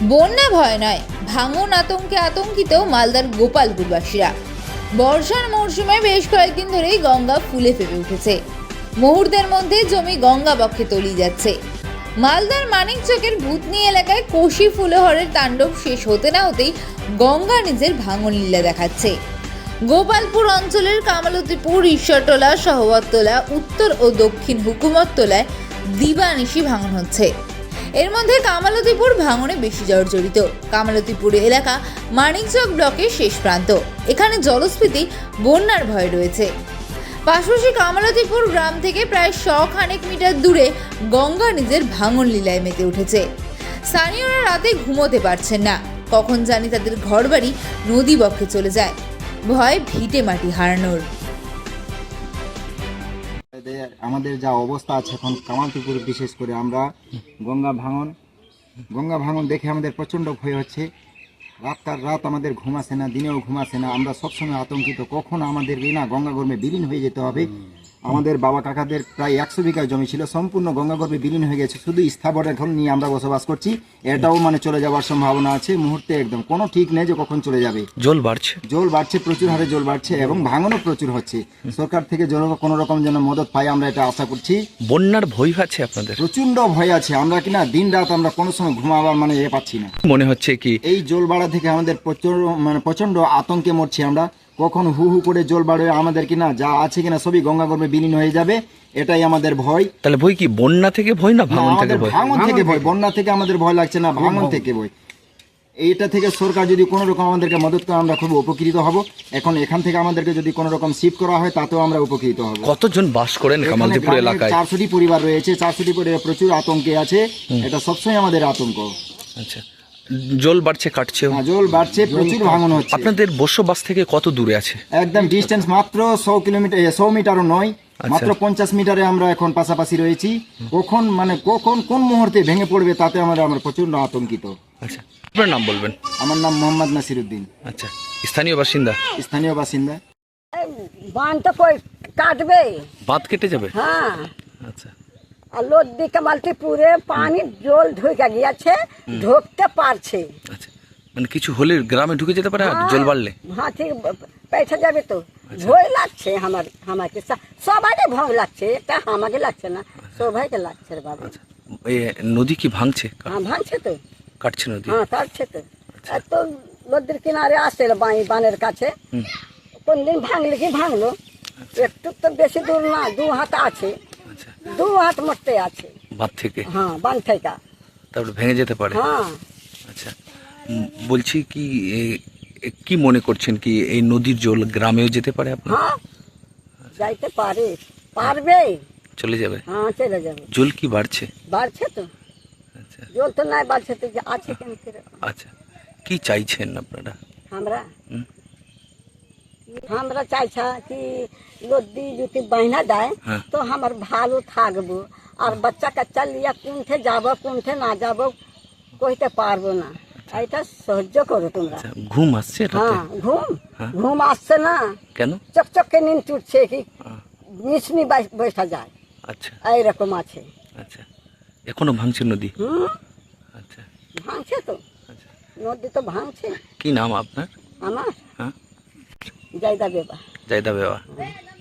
বন্যা ভয় নয়, ভাঙন আতঙ্কে আতঙ্কিত মালদার গোপালপুরবাসীরা। বর্ষার মরশুমে বেশ কয়েকদিন ধরেই গঙ্গা ফুলে ফেপে উঠেছে। মুহূর্তের মধ্যে জমি গঙ্গা বক্ষে তলিয়ে যাচ্ছে। মালদার মানিকচকের ভূতনি এলাকায় কোশি ফুলহরের তাণ্ডব শেষ হতে না হতেই গঙ্গা নিজের ভাঙন লীলা দেখাচ্ছে। গোপালপুর অঞ্চলের কামালতিপুর, ঈশ্বরতলা, সহবততলা, উত্তর ও দক্ষিণ হুকুমততলায় দিবানিশি ভাঙন হচ্ছে। এর মধ্যে কামালতিপুর ভাঙনে বেশি জর্জরিত। কামালতিপুর এলাকা মানিকচক ব্লকের শেষ প্রান্ত। এখানে জলস্ফীতি, বন্যার ভয় রয়েছে। পাশাপাশি কামালতিপুর গ্রাম থেকে প্রায় 100 খানেক মিটার দূরে গঙ্গা নিজের ভাঙন লীলায় মেতে উঠেছে। স্থানীয়রা রাতে ঘুমোতে পারছেন না। কখন জানি তাদের ঘরবাড়ি নদী বক্ষে চলে যায়। ভয় ভিটে মাটি হারানোর। আমাদের যা অবস্থা আছে এখন কামালতিপুর, বিশেষ করে আমরা গঙ্গা ভাঙন দেখে আমাদের প্রচণ্ড ভয় হচ্ছে। রাত আমাদের ঘুম আসে না, দিনেও ঘুম আসে না। আমরা সবসময় আতঙ্কিত, কখন আমাদের গঙ্গা গর্ভে বিলীন হয়ে যেতে হবে। আমাদের বাবা কাকাদের প্রায় 100 বিঘা জমি ছিল, সম্পূর্ণ গঙ্গা গর্ভে বিলীন হয়ে গেছে। শুধু স্থাবর এখন নিয়ে আমরা বসবাস করছি। এটাও চলে যাওয়ার সম্ভাবনা আছে মুহূর্তে, একদম কোনো ঠিক নেই যে কখন চলে যাবে। জল বাড়ছে, প্রচুর হারে জল বাড়ছে এবং ভাঙনও প্রচুর হচ্ছে। সরকার থেকে কোনো রকম যেন মদত পাই, আমরা এটা আশা করছি। বন্যার ভয় আছে আপনাদের? প্রচন্ড ভয় আছে। আমরা দিন রাত আমরা কোনো সময় ঘুমাবার পাচ্ছি না। মনে হচ্ছে কি এই জল বাড়া থেকে আমাদের প্রচন্ড আতঙ্কে মরছি আমরা। কখন হু হু করে জল বাড়ে আমাদের যা আছে সবই গঙ্গা গর্ভে বিলীন হয়ে যাবে, এটাই আমাদের ভয়। তাহলে ভয় কি বন্যা থেকে ভয় না ভাঙন থেকে ভয়? ভাঙন থেকে ভয়। বন্যা থেকে আমাদের ভয় লাগছে না, ভাঙন থেকে ভয়। এইটা থেকে সরকার যদি কোনো রকম আমাদেরকে মদত করে আমরা খুব উপকৃত হব। এখান থেকে আমাদেরকে যদি কোনো রকম শিফট করা হয় তাতেও আমরা উপকৃত হব। কতজন বাস করেন কামালতিপুর এলাকায়? 400টি পরিবার রয়েছে। 400টি পরিবার প্রচুর আতঙ্কে আছে। এটা সবসময় আমাদের আতঙ্ক। আচ্ছা, জল বাড়ছে, কাটছে? জল বাড়ছে, প্রচুর ভাঙন হচ্ছে। আপনাদের বসবাস থেকে কত দূরে আছে? একদম ডিস্টেন্স মাত্র 100 মিটারও নয়, মাত্র 50 মিটারে আমরা এখন পাশাপাশি রয়েছি। কখন কোন মুহূর্তে ভেঙে পড়বে তাতে আমরা প্রচন্ড আতঙ্কিত। আচ্ছা, আপনার নাম বলবেন? আমার নাম মোহাম্মদ নাসিরউদ্দিন। আচ্ছা, স্থানীয় বাসিন্দা। বাঁধ তো কই কাটবে, বাঁধ কেটে যাবে? হ্যাঁ। আচ্ছা, আর লদ্দি কামালতিপুরে পানি জল ঢুকে গিয়েছে, ঢুকতে পারছে। আচ্ছা, কিছু হলে গ্রামে ঢুকে যেতে পারে জল বাড়লে? হ্যাঁ, ঠিক পৌঁছে যাবে তো। ভয় লাগছে আমাকে, সবাইকে ভয় লাগছে, এটা আমাকে লাগছে না, সবাইকে লাগছে রে বাবা। এই নদী কি ভাঙছে? হ্যাঁ, ভাঙছে তো, কাটছে নদী? হ্যাঁ কাটছে তো। এত নদীর কিনারে আসছে বানের কাছে। কোন দিন ভাঙলে কি ভাঙলো, একটু তো বেশি দূর না, 2 হাত আছে। 2 হাত মরতে আছে বাঁধ থেকে? হ্যাঁ, বাঁধ থেকে। তারপরে ভেঙে যেতে পারে? হ্যাঁ। আচ্ছা, বলছি কি মনে করছেন কি এই নদীর জল গ্রামেও যেতে পারে? হ্যাঁ, যাইতে পারবে। চলে যাবে? হ্যাঁ, চলে যাবে। জল কি বাড়ছে? বাড়ছে তো। আচ্ছা, জল তো নাই বাড়ছে তো, আছে কেন? আচ্ছা, কি চাইছেন আপনারা? আমরা চাইছা কি নদী যদি বাহিনা দেয় তো আমার ভালো থাকবো। আর বাচ্চা কাচ্চা লিয়া কোনঠে যাব কোনঠে না যাব কইতে পারবো না। এটা সহ্য করো তোমরা। ঘুম আসছে? হ্যাঁ, ঘুম আসছে না। কেন? চকচকে নিন চুটছে কি মিশনি বসা যায়। আচ্ছা, এইরকম আছে। আচ্ছা, এখনো ভাঙছে নদী? আচ্ছা, ভাঙছে তো। আচ্ছা, নদী তো ভাঙছে। কি নাম আপনার? আমার হ্যাঁ, জায়দা বেবা। জায়দা বেবা।